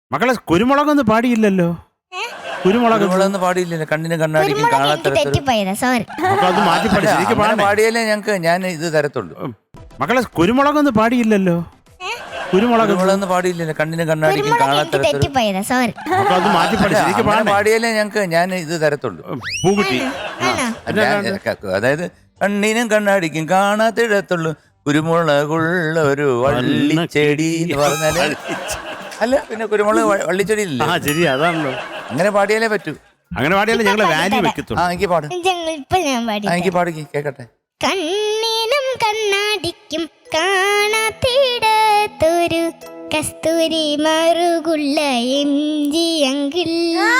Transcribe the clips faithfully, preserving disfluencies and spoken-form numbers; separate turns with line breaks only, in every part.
മക്കളെ കുരുമുളകൊന്നും പാടിയില്ലല്ലോ. കുരുമുളക്
കുരുമുളകൊന്നും പാടിയില്ലല്ലോ. കണ്ണിന് കണ്ണാടിക്കും കാണാത്ത
അത് മാറ്റി പഠിച്ചു
പാടിയാലേ ഞങ്ങക്ക് ഞാൻ ഇത് തരത്തുള്ളൂ.
മക്കളെ കുരുമുളകൊന്നും പാടിയില്ലല്ലോ. കുരുമുളക്
കുരുമുളകൊന്നും പാടിയില്ലല്ലോ. കണ്ണിന് കണ്ണാടിക്കും കാണാത്ത
അത് മാറ്റി പഠിച്ചു
പാടിയാലേ ഞങ്ങക്ക് ഞാൻ ഇത് തരത്തുള്ളൂ.
പൂക്കുട്ടി
അതായത് കണ്ണിനും കണ്ണാടിക്കും കാണാത്തിടത്തുള്ളൂ കുരുമുളകുള്ള ഒരു വള്ളിച്ചെടി എന്ന് പറഞ്ഞാല് അല്ല പിന്നെ കുരുമുളക് വള്ളിച്ചെടി ഇല്ല.
ആ ശരി അതാണല്ലോ.
അങ്ങനെ പാടിയാലേ പറ്റൂ.
അങ്ങനെ പാടിയാലേ ഞങ്ങള് വാല്യൂ വെക്കത്തുള്ളൂ.
ആ എനിക്ക് പാട് എനിക്ക് പാടിക്ക് കേക്കട്ടെ.
കണ്ണിനും കണ്ണാടിക്കും കാണാത്തിടത്തൊരു കസ്തൂരി മറുകുള്ള എം ജി അങ്കിൾ.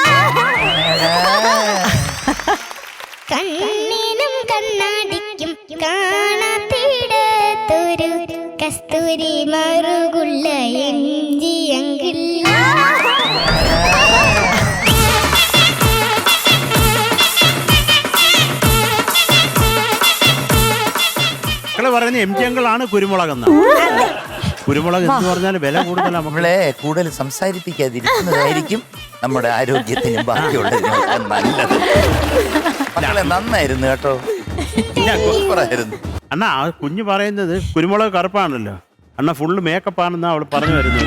കണ്ണിനും കണ്ണാടിക്കും കാണാത്തിടത്തൊരു കസ്തൂരി മറുകുള്ള എം ജി അങ്കിൾ.
മക്കളെ പറയുന്ന എം ജി അങ്കിളാണ് കുരുമുളക് എന്ന. കുരുമുളക് എന്ന് പറഞ്ഞാൽ വില കൂടുതലാണ്.
നമ്മളെ കൂടുതൽ സംസാരിപ്പിക്കാതിരിക്കുന്നതായിരിക്കും നമ്മുടെ ആരോഗ്യത്തിനും ബാക്കിയുള്ളതിനൊക്കെ നല്ലത്. മക്കളെ നന്നായിരുന്നു കേട്ടോ. സൂപ്പറായിരുന്നു.
അണ്ണാ ആ കുഞ്ഞ് പറയുന്നത് കുരുമുളക് കറുപ്പാണല്ലോ. അണ്ണ ഫുള്ള് മേക്കപ്പ് ആണെന്നാ അവള് പറഞ്ഞു വരുന്നത്.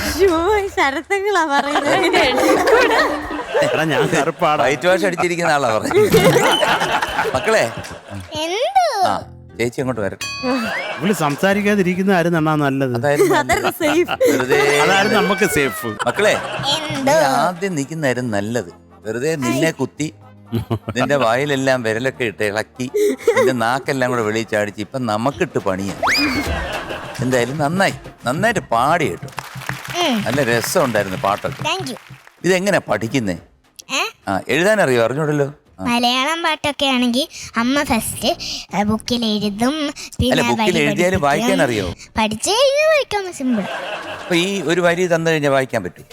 എടാ ഞാൻ കറുപ്പാണ്.
വൈറ്റ് വാഷ് അടിച്ചിരിക്കുന്ന ആളാ പറഞ്ഞത്. മക്കളെ ആ ചേച്ചി അങ്ങോട്ട് വരട്ടെ.
ഇവള് സംസാരിക്കാതിരിക്കുന്ന ആയിരുന്നു അണ്ണാ നല്ലത്. അതായിരുന്നു നമുക്ക് സേഫ്.
മക്കളെ ആദ്യം നിൽക്കുന്നതായിരുന്നു നല്ലത്. വെറുതെ നിന്നെ കുത്തി നിന്റെ വായിലെല്ലാം വിരലൊക്കെ ഇട്ട് ഇളക്കി നിന്റെ നാക്കെല്ലാം കൂടെ വെളിയിൽ ചാടിച്ച് ഇപ്പൊ നമുക്കിട്ട് പണിയാ. എന്തായാലും നന്നായി നന്നായിട്ട് പാടി കേട്ടോ. നല്ല രസം ഉണ്ടായിരുന്നു പാട്ടൊക്കെ. ഇതെങ്ങനെ പഠിക്കുന്നേ? ആ എഴുതാൻ അറിയോ? അറിഞ്ഞൂടല്ലോ.
മലയാളം പാട്ടൊക്കെ ആണെങ്കിൽ അമ്മ ഫസ്റ്റ് ബുക്കിൽ എഴുതും.
ബുക്കിൽ എഴുതിയാലും വായിക്കാൻ അറിയോ?
പഠിച്ചു കഴിഞ്ഞാൽ വായിക്കാൻ സിമ്പിൾ.
അപ്പൊ ഈ ഒരു വരി തന്നു കഴിഞ്ഞാൽ വായിക്കാൻ പറ്റും?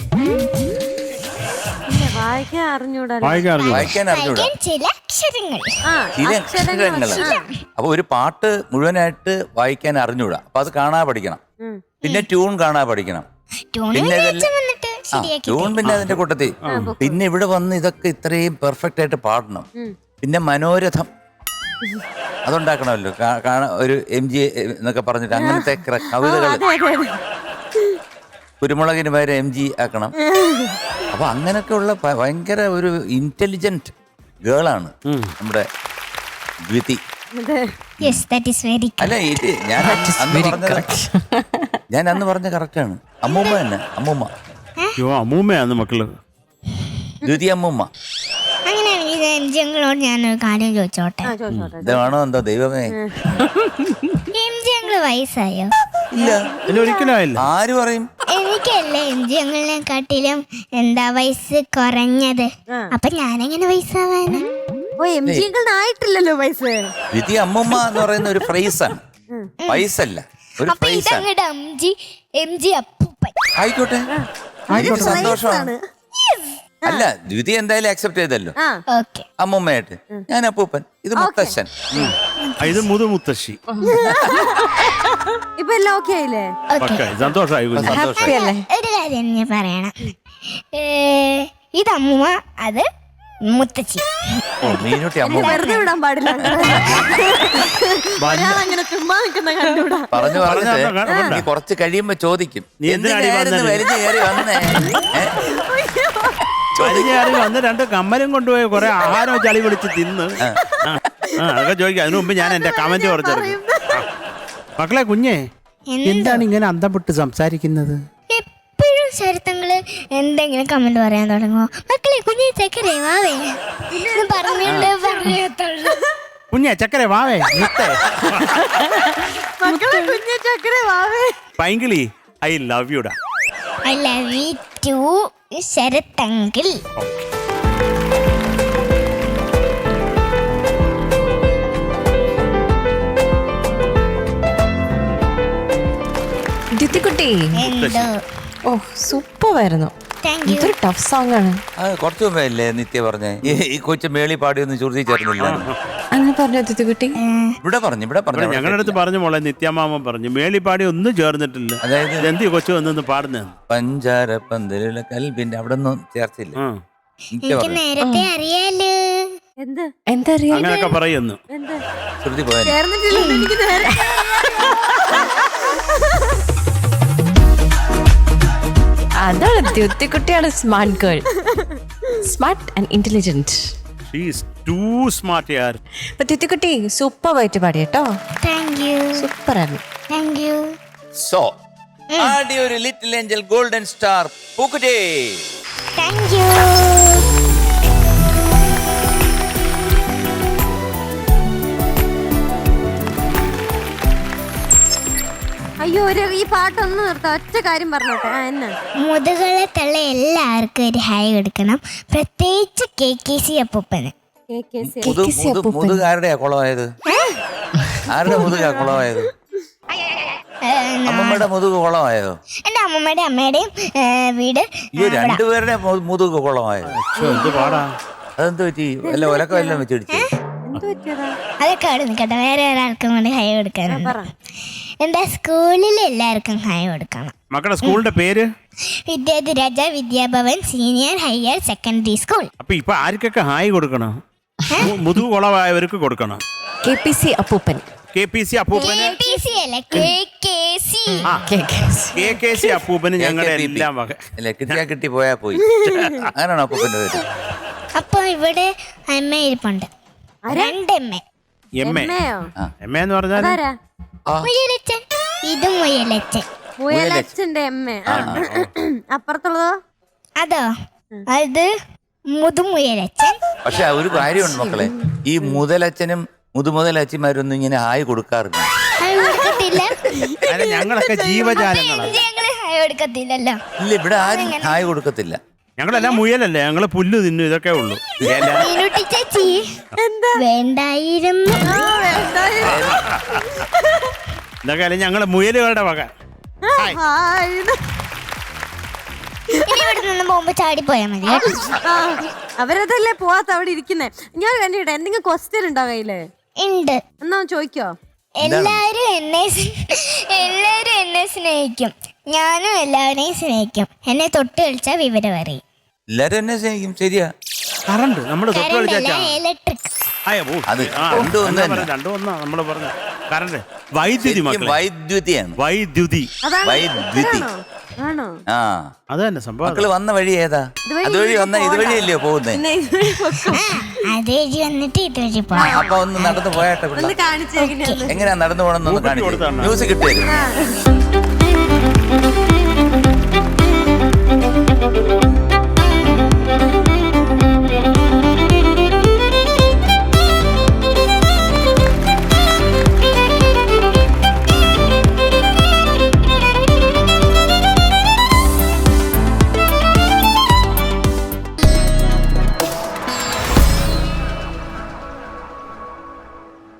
വായിക്കാൻ അറിഞ്ഞൂടാ.
വായിക്കാൻ അറിഞ്ഞൂടാ.
ചില അക്ഷരങ്ങൾ
ചില അക്ഷരങ്ങൾ. അപ്പൊ ഒരു പാട്ട് മുഴുവനായിട്ട് വായിക്കാൻ അറിഞ്ഞൂടാ. അപ്പൊ അത് കാണാ പഠിക്കണം. പിന്നെ ട്യൂൺ കാണാ പഠിക്കണം. പിന്നെ ട്യൂൺ പിന്നെ അതിന്റെ കൂട്ടത്തിൽ പിന്നെ ഇവിടെ വന്ന് ഇതൊക്കെ ഇത്രയും പെർഫെക്റ്റ് ആയിട്ട് പാടണം. പിന്നെ മനോരഥം അതുണ്ടാക്കണമല്ലോ. ഒരു എം ജി എന്നൊക്കെ പറഞ്ഞിട്ട് അങ്ങനത്തെ കവിതകൾ. കുരുമുളകിന് പകരം എം ജി ആക്കണം. അപ്പൊ അങ്ങനെയൊക്കെ ഉള്ള ഭയങ്കര ഒരു ഇന്റലിജന്റ് ഗേളാണ് നമ്മുടെ ദ്വിതി. അല്ല ഇത് ഞാൻ അന്ന് പറഞ്ഞത് ഞാൻ അന്ന് പറഞ്ഞ കറക്റ്റാണ്. അമ്മൂമ്മ തന്നെ. അമ്മൂമ്മ
അമ്മൂമ്മയാന്ന് മക്കള്.
ദ്വിതി അമ്മൂമ്മ.
അങ്ങനെയാണെങ്കിൽ ഞാനൊരു കാര്യം ചോദിച്ചോട്ടെ.
ഇതാണോ എന്തോ ദൈവമേ.
എം ജി അങ്കിള് വയസ്സായോ?
ഇല്ല
ഒരിക്കലും ആയില്ല.
ആര് പറയും?
എനിക്കല്ലേ എം ജി അങ്കിളിനെക്കാട്ടിലും എന്താ വയസ്സ് കുറഞ്ഞത്. അപ്പൊ ഞാനെങ്ങനെ വയസ്സാവാന്?
ഓ എം ജി അങ്കിളിനായിട്ടില്ലല്ലോ വയസ്സ്.
ദ്വിതി അമ്മൂമ്മ എന്ന് പറയുന്ന ഒരു ഫ്രൈസാണ്, വയസ്സല്ല. ഒരു ഫ്രൈസാണ്.
എം ജി അപ്പൂപ്പൻ
ആയിക്കോട്ടെ, എനിക്ക് സന്തോഷമാണ്. അല്ല ദ്വിതി എന്തായാലും അക്സെപ്റ്റ് ചെയ്തല്ലോ അമ്മൂമ്മയായിട്ട്. ഞാൻ അപ്പൂപ്പൻ, ഇത് മുത്തശ്ശൻ,
ഇത് മുതു മുത്തശ്ശി.
ഇപ്പൊ എല്ലാം ഓക്കെ ആയില്ലേ?
സന്തോഷമായി.
ഒരു കാര്യം ഞാൻ പറയണം. ഇത് അമ്മൂമ്മ, അത് മുത്തശ്ശി.
വെറുതെ വിടാൻ പാടില്ല. അങ്ങനെ ചുമ്മാ നിൽക്കുന്ന കണ്ടുകൂടാ.
പറഞ്ഞു പറഞ്ഞിട്ട് കുറച്ച് കഴിയുമ്പോ ചോദിക്കും നീ എന്തിനായിരുന്നു വലിഞ്ഞു കയറി വന്നേ.
വന്ന് രണ്ട് കമ്മലും കൊണ്ടുപോയി കുറെ ആഹാരം ചളി പിടിച്ച് തിന്ന് അതൊക്കെ ചോദിക്കും. അതിനു മുമ്പ് ഞാൻ എന്റെ കമന്റ് കുറച്ചെടുക്കും. മക്കളെ കുഞ്ഞേ, എന്താണ് ഇങ്ങനെ അന്തം വിട്ട് സംസാരിക്കുന്നത്?
എപ്പോഴും ശരത്തങ്ങള് എന്തെങ്കിലും കമന്റ് പറയാൻ തുടങ്ങുമോ? മക്കളെ കുഞ്ഞെ ചക്കരേ വാവേ പറഞ്ഞിട്ട് പറഞ്ഞത്തുള്ളൂ.
കുഞ്ഞെ ചക്കരേ വാവേ
കുഞ്ഞെ ചക്കരേ വാവേ.
പൈങ്കിളി, ഐ ലവ് യുടാ.
ഐ ലവ് യു ടു ശരത്തങ്കിൾ.
ദ്യുതിക്കുട്ടി,
എന്തോ
ഓ സൂപ്പറായിരുന്നു. ഇതൊരു ടഫ് സോങ് ആണ്.
കുറച്ചു മുമ്പേ അല്ലേ നിത്യ പറഞ്ഞേ ഈ കൊച്ചു മേളി പാടിയൊന്നും ചുരുതി ചേർന്നില്ല?
അങ്ങനെ പറഞ്ഞു തിത്തുകുട്ടി?
ഇവിടെ പറഞ്ഞു ഇവിടെ പറഞ്ഞു അവിടെ
ഞങ്ങളുടെ അടുത്ത് പറഞ്ഞു മോളെ, നിത്യമാമൻ പറഞ്ഞു മേളിപ്പാടി ഒന്നും ചേർന്നിട്ടില്ല.
അതായത്
എന്തി കൊച്ചു വന്നു പാടുന്ന
പഞ്ചാര പന്തലുള്ള കൽബിന്റെ അവിടെ ഒന്നും ചേർച്ചില്ല. നിത്യ
എനിക്ക്
പറഞ്ഞു
നേരത്തെ അറിയാലോ.
എന്ത്
എന്താ അറിയാ?
അങ്ങനെയൊക്കെ പറയുന്നു.
എന്ത്
ശ്രുതി പോയാൽ
ചേർന്നിട്ടില്ല എനിക്ക് നേരെ
അതാണ് തിത്തുകുട്ടിയാണ് smart girl. Smart and intelligent.
She is too smart yaar.
അപ്പൊ തിത്തുകുട്ടി സൂപ്പർ ആയിട്ട് പാടി കേട്ടോ.
താങ്ക് യു
സൂപ്പർ ആണ്.
Thank you.
സോ ആദ്യ ഒരു ലിറ്റിൽ ഏഞ്ചൽ ഗോൾഡൻ സ്റ്റാർ പൂക്കുറ്റി.
Thank you.
അയ്യോ ഒരു ഈ പാട്ടൊന്ന് നിർത്താം. ഒറ്റ കാര്യം പറഞ്ഞോട്ടെ. ആ എന്നാ
മുതുകളെ തള്ള എല്ലാവർക്കും ഒരു ഹായ് കൊടുക്കണം, പ്രത്യേകിച്ച് കെ കെ സി അപ്പൂപ്പന്.
കെ കെ സി
മുതു മുതു മുതുകാരുടെയാ കുളമായത്? ആരുടെ മുതുകാ കുളമായത്? അമ്മമ്മയുടെ മുതുക് കുളമായതോ?
എന്റെ അമ്മമ്മയുടെ അമ്മയുടെയും ഏ, വീട്
ഈ രണ്ടുപേരുടെ മു- മുതുക് കുളമായത്?
എന്ത് പാടാ?
അതെന്ത് പറ്റി? വല്ല ഒലക്ക വല്ലതും വെച്ചിടിച്ചു?
എന്ത് പറ്റിയതാ?
അതൊക്കെ അവിടെ നിൽക്കട്ടെ, വേറെ ഒരാൾക്കും കൂടി ഹായ് കൊടുക്കാനുണ്ട്.
പറ.
എന്താ സ്കൂളിൽ എല്ലാവർക്കും ഹായ് കൊടുക്കണം.
മക്കളുടെ സ്കൂളിന്റെ പേര്?
Vidyadhiraja Vidyabhavan senior higher secondary school.
അപ്പൊ ഇപ്പൊ ആർക്കൊക്കെ ഹായ് കൊടുക്കണം? മു- മുതുകു കുളമായവർക്ക് കൊടുക്കണം.
കെ പി സി അപ്പൂപ്പൻ.
കെ പി സി അപ്പൂപ്പന്,
കെ പി സി അല്ല കെ കെ സി.
ആ
K K C.
K K C അപ്പൂപ്പന് ഞങ്ങളുടെ എല്ലാം വക.
അല്ല കിട്ടിയാ കിട്ടി പോയാ പോയി. അങ്ങനെയാണോ അപ്പൂപ്പന്റെ പേര്?
അപ്പൊ ഇവിടെ അമ്മ ഇരിപ്പുണ്ട്, രണ്ട് അമ്മ.
എം എ
അമ്മയോ?
എം എ എന്ന് പറഞ്ഞാൽ
അതാരാ?
മുയലച്ചൻ, ഇത് മുയലച്ചൻ.
മുയലച്ഛന്റെ അമ്മ. അപ്പുറത്തുള്ളതോ?
അതോ അത് മുതുമുയലച്ചൻ.
പക്ഷെ ഒരു കാര്യമുണ്ട് മക്കളെ, ഈ മുതലച്ഛനും മുതുമുതലച്ഛന്മാരൊന്നും ഇങ്ങനെ ഹായ് കൊടുക്കാറില്ല.
ഹായ് കൊടുക്കത്തില്ല.
അല്ല, ഞങ്ങളൊക്കെ ജീവജാലങ്ങളാണ്.
ഞങ്ങള് ഹായ് കൊടുക്കത്തില്ലല്ലോ.
ഇല്ല ഇവിടെ ആരും ഹായ് കൊടുക്കത്തില്ല.
ഞങ്ങളെല്ലാം മുയലല്ലേ, ഞങ്ങള് പുല്ല് തിന്നു, ഇതൊക്കെ ഉള്ളൂ. ഇല.
മീനുട്ടി ചേച്ചി വേണ്ടായിരുന്നു.
ഇതൊക്കെ അല്ലേ ഞങ്ങള് മുയലുകളുടെ വക. ഹായ്.
ഹായ്.
ഇനി ഇവിടെ നിന്ന് പോകുമ്പോ ചാടി പോയാ മതി കേട്ടോ.
ആ, അവരതല്ലേ പോവാത്ത അവിടെ ഇരിക്കുന്നേ. ഞാൻ കണ്ടിട്ടെ എന്തെങ്കിലും ക്വസ്റ്റ്യൻ ഉണ്ടോ കയ്യില്?
ഉണ്ട്.
എന്നാ ചോദിക്കോ?
എല്ലാരും എന്നെ സ്- എല്ലാരും എന്നെ സ്നേഹിക്കും, ഞാനും എല്ലാവരെയും സ്നേഹിക്കും. എന്നെ തൊട്ട് കളിച്ചാ വിവരം അറിയും.
എല്ലാരും എന്നെ സ്നേഹിക്കും, ശരിയാ.
കറണ്ട് നമ്മള് തൊട്ട്
കറണ്ടല്ല,
കളിച്ചാ
ഇലക്ട്രിക്.
അത് രണ്ടും ഒന്ന് തന്നെ.
രണ്ടും ഒന്നാ നമ്മള് പറഞ്ഞ കറണ്ട്. വൈദ്യുതി
ശരിക്കും
മക്കളെ,
വൈദ്യുതിയാണ്.
വൈദ്യുതി.
അതാണ്
വൈദ്യുതി.
ആണോ? ആണോ?
ആ
അത് തന്നെ സംഭവം.
മക്കള് വന്ന വഴി ഏതാ?
ഇതുവഴി
അതുവഴി വന്ന ഇതുവഴിയല്ലയോ പോകുന്നേ?
പിന്നെ ഇതുവഴി പൊക്കോ.
ആ അതേജ് വന്നിട്ട് ഇതുവഴി പോവാം.
അപ്പൊ ഒന്ന് നടന്നു പോയാട്ടെ
ഒന്ന്
പിള്ളേർ.
കാണിച്ചേക്കണേ.
എങ്ങനെയാ നടന്നു പോകണമെന്നൊന്ന്
മൂപ്പത്തി
കാണിച്ചു.
കൊടുത്താണ്.
മ്യൂസിക് ഇട്ടേരും.
ആ.